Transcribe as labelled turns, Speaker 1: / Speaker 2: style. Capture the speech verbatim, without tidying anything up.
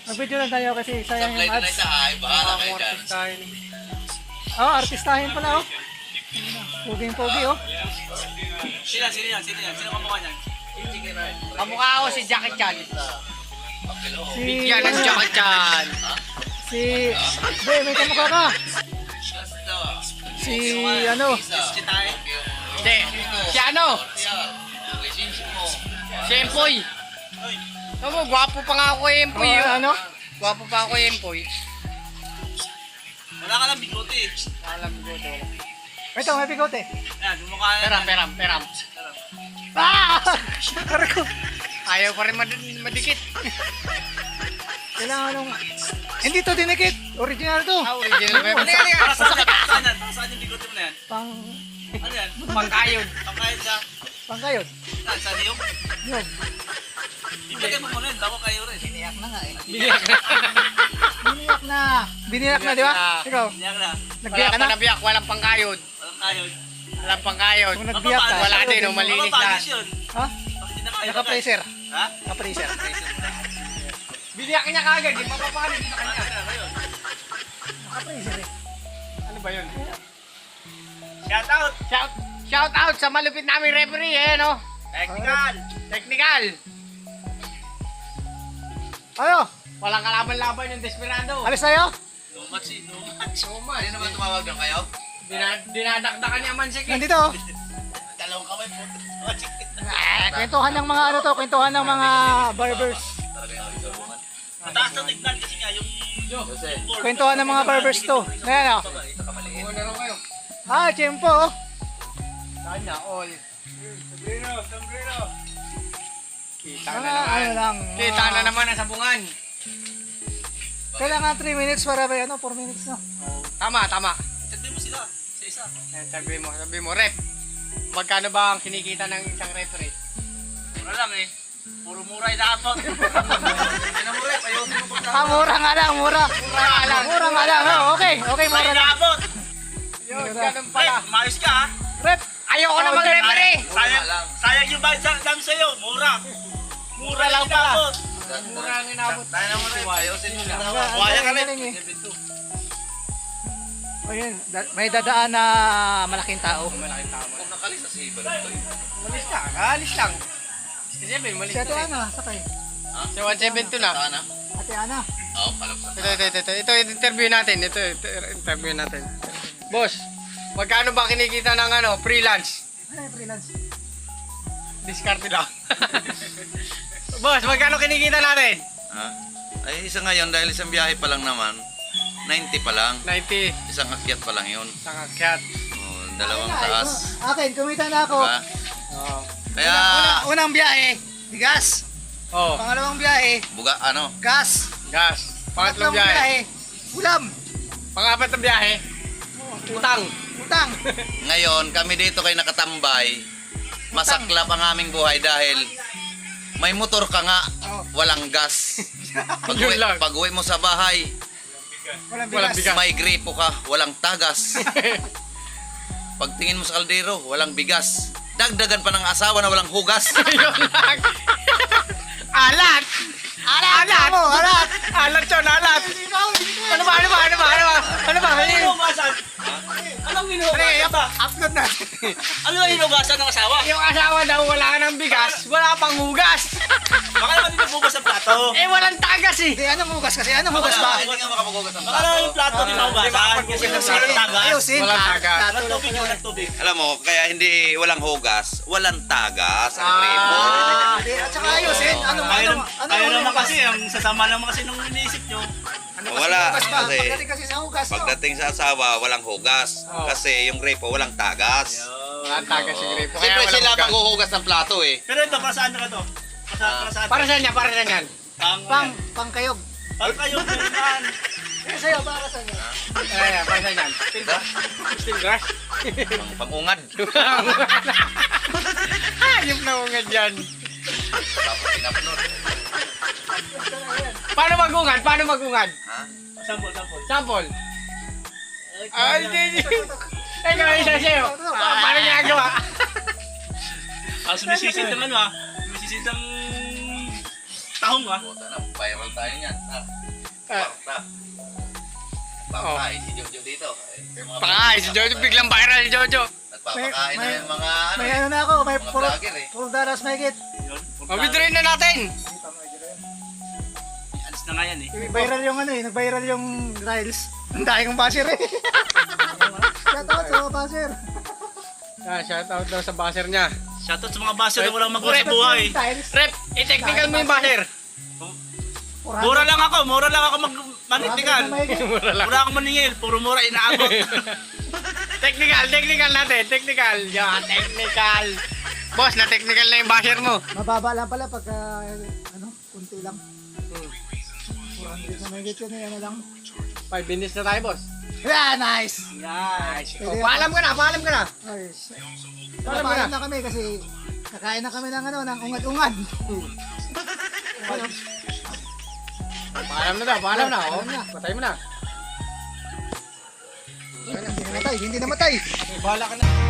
Speaker 1: Mag-video lang tayo kasi sayang yung
Speaker 2: Supply na
Speaker 1: ads.
Speaker 2: isa ay, bahala kayo dyan.
Speaker 3: Artistahin.
Speaker 1: Oh, artistahin pala oh. Puging-pugi oh.
Speaker 4: Sino yan? Sino yan? Sino yan? Sino kamukha niyan?
Speaker 3: Kamukha ako si Jackie Chan.
Speaker 1: Si...
Speaker 3: Yan ang Jackie Chan.
Speaker 1: Si... Be, may kamukha ka. Si ano?
Speaker 4: Si Tay.
Speaker 3: Hindi. Si ano? Si Empoy. Tama, gwapo pa nga ako kay Empoy.
Speaker 1: Oh,
Speaker 3: oh.
Speaker 1: ano?
Speaker 3: Gwapo pa ako kay Empoy.
Speaker 4: Wala ka lang bigote eh.
Speaker 3: Alam ko to.
Speaker 1: Ito, may bigote.
Speaker 4: Yan, mukha na.
Speaker 3: Peram, peram, peram.
Speaker 1: Ah! Aray ko.
Speaker 3: Ayaw pa rin mad- madikit.
Speaker 1: Kailangan nung... Hindi to dinikit. Original to.
Speaker 3: Ah, original pa yun.
Speaker 4: Para saan yan? Para saan yan? Para saan yung bigote mo na yan?
Speaker 1: Pang...
Speaker 4: Ano yan?
Speaker 3: Pangkayod.
Speaker 4: Pangkain sa...
Speaker 1: Pangkayod.
Speaker 4: Saan? Saan yung?
Speaker 1: Yun.
Speaker 4: Ibigay mo muna yun, bago kayo rin.
Speaker 1: Biniyak na nga eh.
Speaker 3: Biniyak na.
Speaker 1: Biniyak na. Biniyak na, di ba?
Speaker 3: Biniyak na.
Speaker 1: Ikaw,
Speaker 4: Niyak na.
Speaker 1: nagbiyak
Speaker 3: Wala
Speaker 1: ka
Speaker 3: pa
Speaker 1: na?
Speaker 3: nabiyak, walang pangkayod.
Speaker 4: Walang kayo.
Speaker 3: Walang pangkayod.
Speaker 1: Kung nagbiyak ka,
Speaker 3: Wala din,
Speaker 1: sagutin
Speaker 3: oh,
Speaker 1: mo.
Speaker 3: mali. Linis
Speaker 4: Mapapanis
Speaker 3: na.
Speaker 4: yun.
Speaker 1: Ha?
Speaker 4: Bakit hindi na kayo?
Speaker 1: Naka-freezer.
Speaker 4: Ha?
Speaker 1: Naka-freezer.
Speaker 3: Biniyak niya kagad, di mapapanis na kanya.
Speaker 1: Naka-freezer eh.
Speaker 3: Ano ba yun?
Speaker 4: Shout out!
Speaker 3: Shout, shout out sa malupit naming referee, eh, no?
Speaker 4: Technical!
Speaker 3: Technical.
Speaker 1: Ano?
Speaker 3: Walang kalaban-laban yung Desperado.
Speaker 1: Alis tayo?
Speaker 4: No match eh, no match.
Speaker 3: Suma.
Speaker 2: Hindi naman tumawag lang kayo?
Speaker 3: Dina, dinadakdakan niya man si Kik.
Speaker 1: Nandito oh.
Speaker 4: Dalawang kamay po.
Speaker 1: Ah, kwentuhan ng mga ano to, kwentuhan ng mga barbers.
Speaker 2: Talaga yung magsabukan.
Speaker 4: Mataas na tignan kasi nga yung...
Speaker 2: Jose,
Speaker 1: Kwentuhan ng mga barbers to. Ayan oh.
Speaker 2: ito ka maliit.
Speaker 3: Kung laro kayo.
Speaker 1: Ah, tiyempo oh.
Speaker 3: Saan na? All.
Speaker 4: Sombrero, sombrero.
Speaker 3: Kita
Speaker 1: Mga
Speaker 3: na naman.
Speaker 1: ano lang.
Speaker 3: Kita
Speaker 1: mga-
Speaker 3: na naman ang sabungan.
Speaker 1: Kailangan three minutes para ba ano, four minutes na.
Speaker 3: Tama, tama.
Speaker 4: Sabi mo sila, sa isa.
Speaker 3: Eh, Sabi mo, sabi mo, rep. Magkano ba ang kinikita ng isang referee?
Speaker 4: Mura lang eh. Puro mura yung dapat. Hindi na mura eh, payosin mo pa
Speaker 1: Ah, mura nga lang, mura.
Speaker 3: Mura nga lang.
Speaker 1: Mura nga lang. Oh, okay, okay, mura
Speaker 4: Mura
Speaker 1: lang.
Speaker 4: dapat.
Speaker 3: Yun,
Speaker 1: Mura.
Speaker 3: ganun
Speaker 4: Ay,
Speaker 3: pala.
Speaker 4: maayos ka ha.
Speaker 1: Rep.
Speaker 3: Ayoko na mag-referee.
Speaker 4: Sayang,
Speaker 2: lang.
Speaker 4: sayang yung bayad sa dam sa'yo. Mura. Mura lang
Speaker 3: lang pala.
Speaker 4: dapat.
Speaker 3: Mura ang inabot.
Speaker 2: Tayo na muna, ayusin mo na.
Speaker 1: Ang
Speaker 4: Wala ka
Speaker 1: galing,
Speaker 4: rin.
Speaker 1: galing eh. O yun, da- may dadaan na malaking tao.
Speaker 3: Malaking tama.
Speaker 2: Kung nakalis sa si Balontoy.
Speaker 3: Malis ka, alis lang. Kasi sabi, malis
Speaker 1: Si Ate
Speaker 3: na.
Speaker 1: Ana, sakay.
Speaker 3: Si one seventy na.
Speaker 2: Sana?
Speaker 1: Ate Ana.
Speaker 2: Oo, palapsan.
Speaker 3: Ito, ito, ito, ito, ito, ito, interview natin. Ito, ito, interview natin. Boss, magkano ba kinikita ng ano, freelance?
Speaker 1: Ano yung freelance?
Speaker 3: Discarte lang. Boss, magkano kinikita natin?
Speaker 2: Ha? Ay, isa ngayon dahil isang biyahe pa lang naman. ninety pa lang.
Speaker 3: ninety.
Speaker 2: Isang akyat pa lang yun.
Speaker 3: Isang akyat.
Speaker 2: Oh, dalawang
Speaker 1: Ay,
Speaker 2: taas.
Speaker 1: oh, akin, kumita na ako.
Speaker 2: Diba?
Speaker 3: Oo.
Speaker 2: Kaya,
Speaker 1: Unang, unang biyahe, bigas.
Speaker 3: Oh,
Speaker 1: Pangalawang biyahe,
Speaker 2: buga, ano?
Speaker 1: gas.
Speaker 3: gas. Pangatlong
Speaker 1: Tatlong
Speaker 3: biyahe.
Speaker 1: ulam.
Speaker 3: Pangapat na biyahe. Utang.
Speaker 1: Utang.
Speaker 2: Ngayon, kami dito kay nakatambay. Masaklap ang aming buhay dahil may motor ka nga,
Speaker 1: Oh.
Speaker 2: walang gas. Pag-uwi,
Speaker 3: Yun lang.
Speaker 2: pag-uwi mo sa bahay,
Speaker 1: Walang
Speaker 3: Walang
Speaker 1: bigas.
Speaker 3: bigas.
Speaker 2: may gripo ka, walang tagas. Pagtingin mo sa kaldero, walang bigas. Dagdagan pa ng asawa na walang hugas.
Speaker 3: Yun lang. Alat.
Speaker 1: Alat!
Speaker 3: Alat.
Speaker 1: Mo, alat!
Speaker 3: Alat yun, alat. Ano ba, ano ba, ano ba, ano ba? Ano ba?
Speaker 4: Ano yung hinugasan? Anong hinugasan ba?
Speaker 1: Upload na.
Speaker 4: Ano yung hinugasan ng asawa?
Speaker 3: Yung asawa daw wala ng bigas, wala pang hugas.
Speaker 4: Baka naman hindi nabugas ang plato.
Speaker 3: Eh, walang tagas eh.
Speaker 1: Hindi, anong hugas kasi? Anong hugas ba?
Speaker 2: Hindi nga makapagugas ng
Speaker 4: Baka naman
Speaker 2: plato.
Speaker 4: yung plato di mahugasan. Kasi
Speaker 3: Di ba,
Speaker 4: nung walang tagas.
Speaker 1: Ayusin.
Speaker 3: Walang tagas.
Speaker 1: Plato
Speaker 4: Walang
Speaker 1: lang
Speaker 4: tubig
Speaker 1: pala.
Speaker 4: yun, walang tubig.
Speaker 2: Alam mo, kaya hindi walang hugas, walang tagas ang gripo.
Speaker 3: Ah.
Speaker 1: Hindi, at saka ayusin. Ano, ano,
Speaker 4: Ayaw,
Speaker 1: ano,
Speaker 4: ayaw
Speaker 1: ano,
Speaker 4: naman
Speaker 1: hugas?
Speaker 4: kasi, ang sasama naman kasi nung iniisip nyo.
Speaker 1: Ano
Speaker 2: Wala,
Speaker 1: kasi hugas ba?
Speaker 2: kasi-
Speaker 1: Pagdating kasi sa hugas, no?
Speaker 2: Pagdating sa asawa, walang hugas.
Speaker 3: Oh.
Speaker 2: Kasi yung gripo, walang tagas.
Speaker 3: Walang tagas si Gripo. Kaya
Speaker 2: Siyempre
Speaker 3: walang
Speaker 2: sila
Speaker 3: hugas.
Speaker 2: maghuhugas ng plato eh.
Speaker 4: Pero ito, para saan na to? Para, para saan?
Speaker 3: Para saan yan? Para saan yan?
Speaker 4: Pang,
Speaker 1: Pang, pang kayog.
Speaker 4: pang kayo, pinuntahan.
Speaker 1: Eh, sa'yo, para sa inyo.
Speaker 3: Ay, ay, para saan yan?
Speaker 2: Diba?
Speaker 3: Steel grass?
Speaker 2: Pang pangungad.
Speaker 3: Hayop na ungad yan.
Speaker 2: Tapos pinapnod.
Speaker 3: Paano magungad? Paano magungad?
Speaker 2: Ha?
Speaker 4: Sampol, sampol.
Speaker 3: Sample. Ay, hindi, hindi. Eh, gawin siya sa'yo. Ah, paano ginagawa?
Speaker 4: Ah, sumisisid naman ha. Sumisisid ng tahong ah.
Speaker 2: Puta na, viral tayo niyan. Ha?
Speaker 3: Ah.
Speaker 2: Kwarta. Pangkain si Jojo dito. Eh, sa mga
Speaker 3: Pangay, si Jojo, biglang viral si Jojo.
Speaker 2: Nagpapakain na
Speaker 1: May-
Speaker 2: yung mga ano.
Speaker 1: May
Speaker 2: eh,
Speaker 1: ano na ako, may
Speaker 2: mga
Speaker 1: puro,
Speaker 2: vlogger eh.
Speaker 1: puro daras may git.
Speaker 4: Yun.
Speaker 3: Mabidroin na natin.
Speaker 4: Alis na nga yan eh.
Speaker 1: Viral yung ano eh, nag-viral yung Riles. Ang dahil kong basher eh. Shout out sa mga basher.
Speaker 3: Ah, shout out daw sa baser niya.
Speaker 4: Shoutout sa mga baser na walang magawa sa
Speaker 3: Rep.
Speaker 4: buhay.
Speaker 1: Tiles.
Speaker 3: Rep, i-technical mo yung baser.
Speaker 4: Mura lang ako, mura lang ako mag-manitikan.
Speaker 3: Mura lang.
Speaker 4: Mura ako maningil, puro mura inaabot.
Speaker 3: Technical, technical natin, technical. Yeah, technical. Boss, na-technical na yung baser mo.
Speaker 1: Mababa lang pala pagka, ano, kunti lang. four hundred na may git yun eh, ano lang.
Speaker 3: Five minutes na tayo, boss.
Speaker 1: Yeah, nice!
Speaker 3: Nice.
Speaker 1: Pwede
Speaker 3: Oh,
Speaker 1: yan.
Speaker 3: paalam ka na, paalam ka na.
Speaker 1: Ay,
Speaker 3: Paalam ka
Speaker 1: Paalam
Speaker 3: na.
Speaker 1: na kami kasi kakain na kami ng ano, ng ungad-ungad.
Speaker 3: Paalam na daw, paalam na. Oh.
Speaker 1: Paalam na.
Speaker 3: Patay mo na.
Speaker 1: Hindi namatay, hindi namatay.
Speaker 3: Eh, bahala ka na.